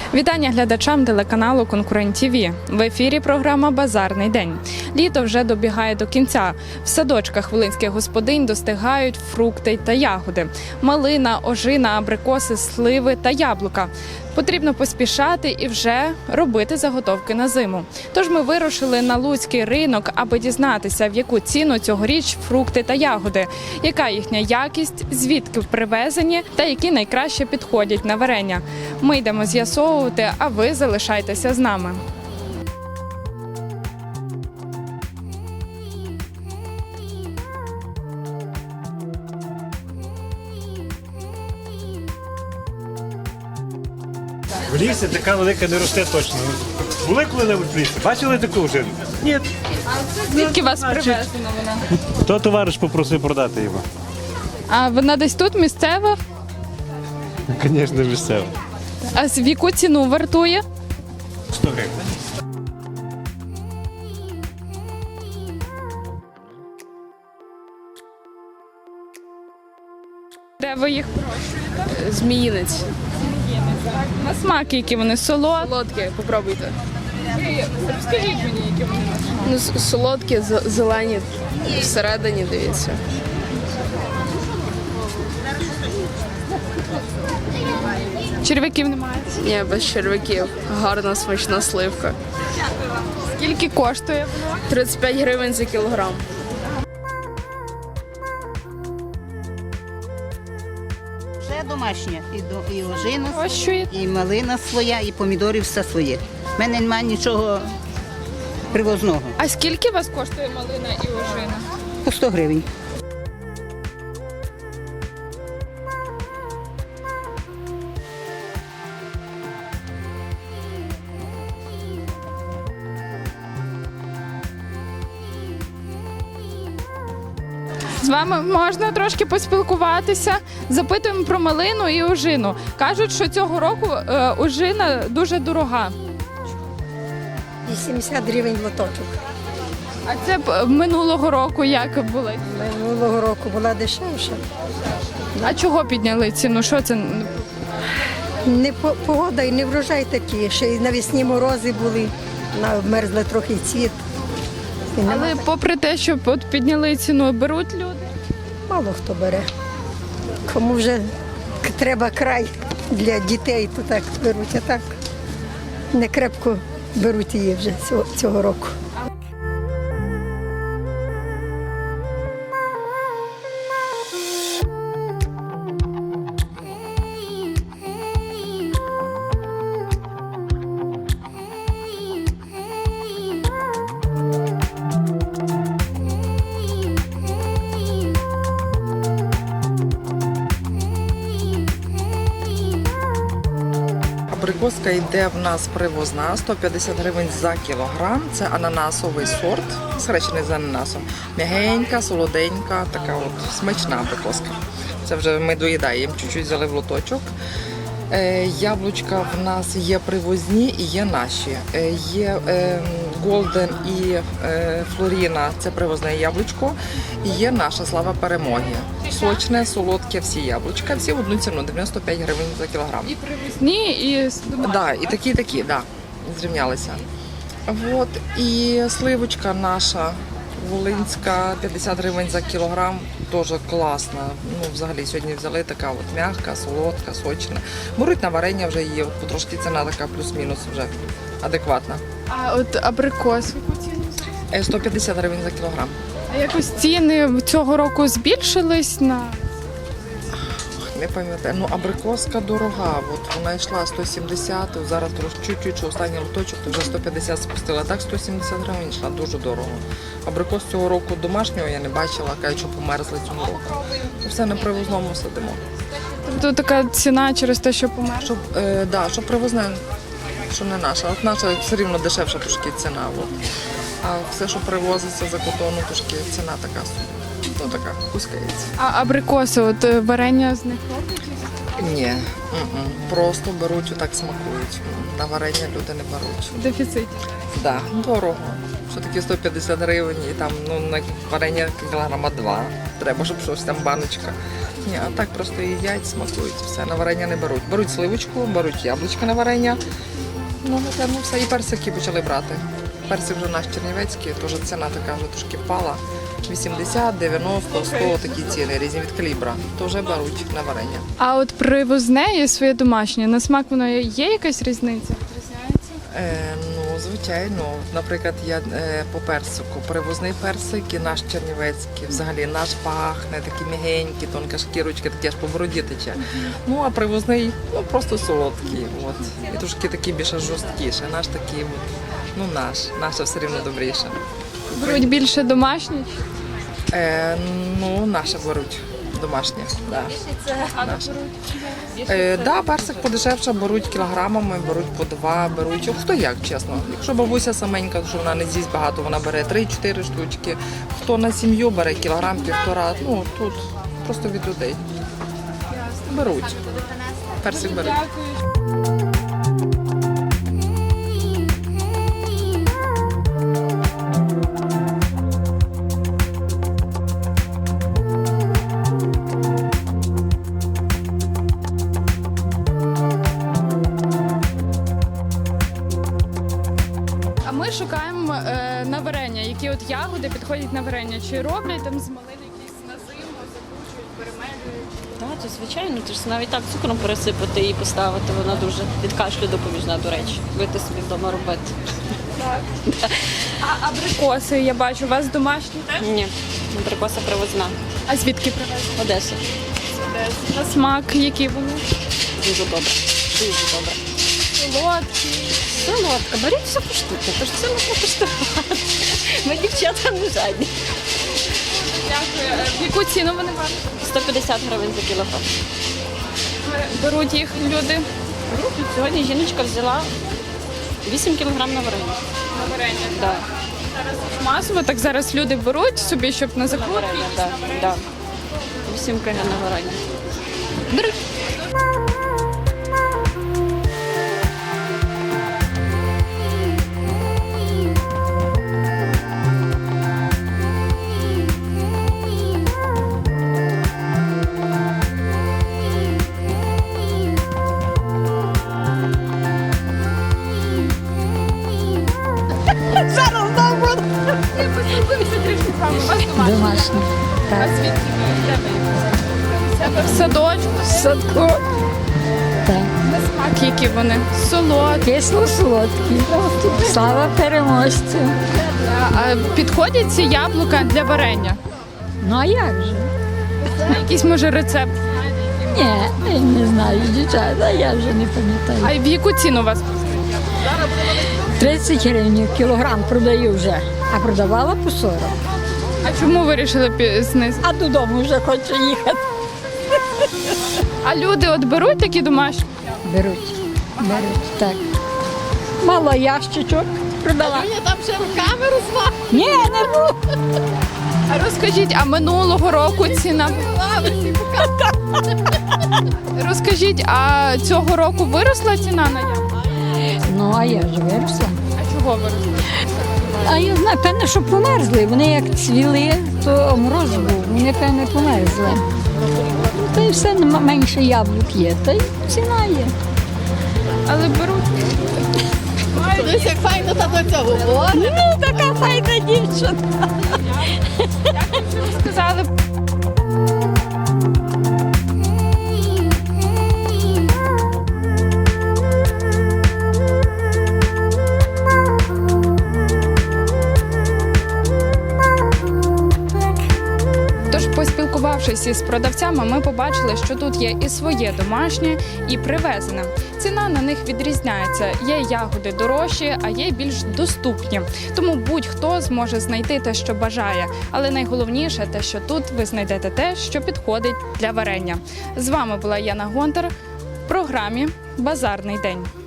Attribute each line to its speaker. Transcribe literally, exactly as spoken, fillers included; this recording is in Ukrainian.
Speaker 1: Вітання глядачам телеканалу Конкурент ТІВІ. В ефірі програма «Базарний день». Літо вже добігає до кінця. В садочках волинських господинь достигають фрукти та ягоди. Малина, ожина, абрикоси, сливи та яблука. Потрібно поспішати і вже робити заготовки на зиму. Тож ми вирушили на луцький ринок, аби дізнатися, в яку ціну цьогоріч фрукти та ягоди, яка їхня якість, звідки привезені та які найкраще підходять на варення. Ми йдемо з'ясовувати, а ви залишайтеся з нами.
Speaker 2: В лісі така велика не росте точно. Були коли-небудь в лісі? Бачили таку вже? Ні.
Speaker 1: Звідки вас привезена вона?
Speaker 2: То товариш попросив продати його.
Speaker 1: А вона десь тут місцева?
Speaker 2: Звісно, місцево.
Speaker 1: А з яку ціну вартує?
Speaker 2: сто гривень.
Speaker 1: Де ви їх вирощуєте?
Speaker 3: Зміїнець.
Speaker 1: На смак, які вони солодкі.
Speaker 3: Солодке, попробуйте.
Speaker 1: Розкажіть мені, які вони на смак.
Speaker 3: Ну, с- солодке, з- зелені всередині, дивіться.
Speaker 1: Черв'яків немає.
Speaker 3: Ні, без червяків. Гарна смачна сливка.
Speaker 1: Скільки коштує воно?
Speaker 3: тридцять п'ять гривень за кілограм.
Speaker 4: Все домашнє. І, до, і ожина,
Speaker 1: Вирощуєте?
Speaker 4: і малина своя, і помідорів все своє. У мене немає нічого привозного.
Speaker 1: А скільки у вас коштує малина і ожина?
Speaker 4: По сто гривень.
Speaker 1: З вами можна трошки поспілкуватися. Запитуємо про малину і ожину. Кажуть, що цього року е, ожина дуже дорога.
Speaker 5: вісімдесят гривень лоточок.
Speaker 1: А це б минулого року як були?
Speaker 5: Минулого року була дешевша.
Speaker 1: А чого підняли ціну? Що це?
Speaker 5: Не по- погода і не врожай такі. Ще й навесні морози були, мерзли трохи цвіт. І нема-
Speaker 1: Але попри те, що от підняли ціну, беруть люди.
Speaker 5: мало хто бере. Кому вже к- треба край для дітей, то так беруть, а так не крепко беруть її вже цього, цього року.
Speaker 6: Абрикоска йде в нас привозна, сто п'ятдесят гривень за кілограм. Це ананасовий сорт, схрещений з ананасом. М'ягенька, солоденька, така от смачна абрикоска. Це вже ми доїдаємо, чуть-чуть взяли в лоточок. Е, Яблучка в нас є привозні і є наші. Е, Є е, Голден і е, Флоріна, це привозне яблучко. І є наша слава перемоги. Сочне, солодке, всі яблучка, всі в одну ціну, дев'яносто п'ять гривень за кілограм.
Speaker 1: І привезні, і з домашніми.
Speaker 6: Да, і такі, і такі, да, зрівнялися. Вот. І сливочка наша, волинська, п'ятдесят гривень за кілограм, теж класна. Ну, взагалі, сьогодні взяли така от м'яка, солодка, сочна. Беруть на варення вже її, от потрошки ціна така плюс-мінус вже адекватна.
Speaker 1: А от абрикос, в яку ціну?
Speaker 6: Е, сто п'ятдесят гривень за кілограм.
Speaker 1: А якось ціни цього року збільшились на
Speaker 6: Не пам'ятаю, ну абрикоска дорога, от вона йшла сто сімдесят, зараз трошки чуть-чуть, що останній лоточок, то вже сто п'ятдесят спустила, так сто сімдесят гривень йшла, дуже дорого. Абрикос цього року домашнього я не бачила, кажуть, що померзли цього року. То все на привозному сидимо.
Speaker 1: тобто така ціна через те, що помер.
Speaker 6: Щоб, е, да, щоб привозне, що не наша. От наша все рівно дешевша трошки ціна. От. А все, що привозиться за кордону, трошки ціна така, ну така, пускається.
Speaker 1: А абрикоси, от е, варення з них роблять?
Speaker 6: Ні, м-м. Просто беруть, отак смакують. На варення люди не беруть.
Speaker 1: Дефіцит.
Speaker 6: Да, дорого. Що таке сто п'ятдесят гривень і там ну, на варення кілограма два. Треба, щоб щось там баночка. Ні, а так просто їдять, смакують. Все, на варення не беруть. Беруть сливочку, беруть яблучко на варення. Ну, напевно, все. І персики почали брати. Персик вже наш чернівецький, теж ціна така вже трошки впала. вісімдесят, дев'яносто, сто такі ціни, різні від калібра. То вже беруть на варення.
Speaker 1: А от привозне і своє домашнє, на смак воно є якась різниця?
Speaker 6: Е, ну, звичайно. Наприклад, я е, по персику. Привозний персик і наш чернівецький. Взагалі наш пахне, такі м'ягенькі, тонка шкірочка, такі аж по бороді тече. Ну, а привозний, ну, просто солодкий. От. І трошки такий більше жорсткіше. Наш такий, от, ну, наш. Наше все рівно добріше.
Speaker 1: Беруть більше домашні?
Speaker 6: Е, ну, наше беруть. Домашнє, да. Наше. Е, да, персик подешевше беруть кілограмами, беруть по два, беруть. Хто як, чесно. Якщо бабуся саменька, що вона не з'їсть багато, вона бере три-чотири штучки. Хто на сім'ю бере кілограм, півтора. Ну, тут просто від людей. Беруть. Персик беруть.
Speaker 1: А ми шукаємо е, на варення, які от ягоди підходять на варення. Чи роблять там з малини якісь на зиму, закручують, перемелюють?
Speaker 7: Так, то звичайно, ти ж навіть так цукром пересипати і поставити, вона дуже від кашлю допоміжна, до речі. Будете собі вдома робити.
Speaker 1: А абрикоси, я бачу, у вас домашні теж?
Speaker 7: Ні, абрикоса привозна.
Speaker 1: А звідки привезли?
Speaker 7: Одеса.
Speaker 1: На смак, які вони?
Speaker 7: Дуже добре. Дуже добре.
Speaker 1: Солодкі.
Speaker 7: Солодка, беріть все по штуці, тож це можна коштувати. Ми дівчата не жадні.
Speaker 1: Дякую. В яку ціну вони варті?
Speaker 7: сто п'ятдесят гривень за кілограм.
Speaker 1: Беруть їх люди
Speaker 7: Сьогодні жіночка взяла вісім кілограм на варення.
Speaker 1: на варення.
Speaker 7: Да.
Speaker 1: Масово так зараз люди беруть собі, щоб на
Speaker 7: На
Speaker 1: закрутки.
Speaker 7: варення, да, да. вісім кілограм на варення.
Speaker 1: Беруть.
Speaker 5: Домашні.
Speaker 1: А звідки ви? Де ви? Себе в садочку.
Speaker 5: Садко. Так.
Speaker 1: На смак, які вони? Солодкі.
Speaker 5: Кисло-солодкі. Слава переможцю.
Speaker 1: А підходять ці яблука для варення?
Speaker 5: Ну а як же?
Speaker 1: Якийсь може рецепт?
Speaker 5: Ні, я не знаю, дівчата, я вже не пам'ятаю.
Speaker 1: А в яку ціну у вас?
Speaker 5: тридцять гривень кілограм продаю вже, а продавала по сорок.
Speaker 1: А чому ви вирішили пі- знизити?
Speaker 5: А додому вже хочу їхати.
Speaker 1: А люди от беруть такі домашні?
Speaker 5: Беруть, беруть, так. Мало ящичок продала.
Speaker 3: Я там ще руками розмахую.
Speaker 5: Ні, не буду.
Speaker 1: А розкажіть, а минулого року ціна? Розкажіть, а цього року виросла ціна на яблука?
Speaker 5: Ну, а я ж виросла.
Speaker 1: А чого виросла?
Speaker 5: А я знаю, певне, що померзли. Вони як цвіли, то мороз був, вони, певне, померзли. Та й все, нема- менше яблук є, та й ціна є.
Speaker 1: Але беруть.
Speaker 3: Дивись, як файно та до цього говорить.
Speaker 5: Ну, така файна дівчина.
Speaker 1: Сказали. Тож, поспілкувавшись із продавцями, ми побачили, що тут є і своє домашнє, і привезене. Ціна на них відрізняється. Є ягоди дорожчі, а є більш доступні. Тому будь-хто зможе знайти те, що бажає. Але найголовніше те, що тут ви знайдете те, що підходить для варення. З вами була Яна Гонтар в програмі «Базарний день».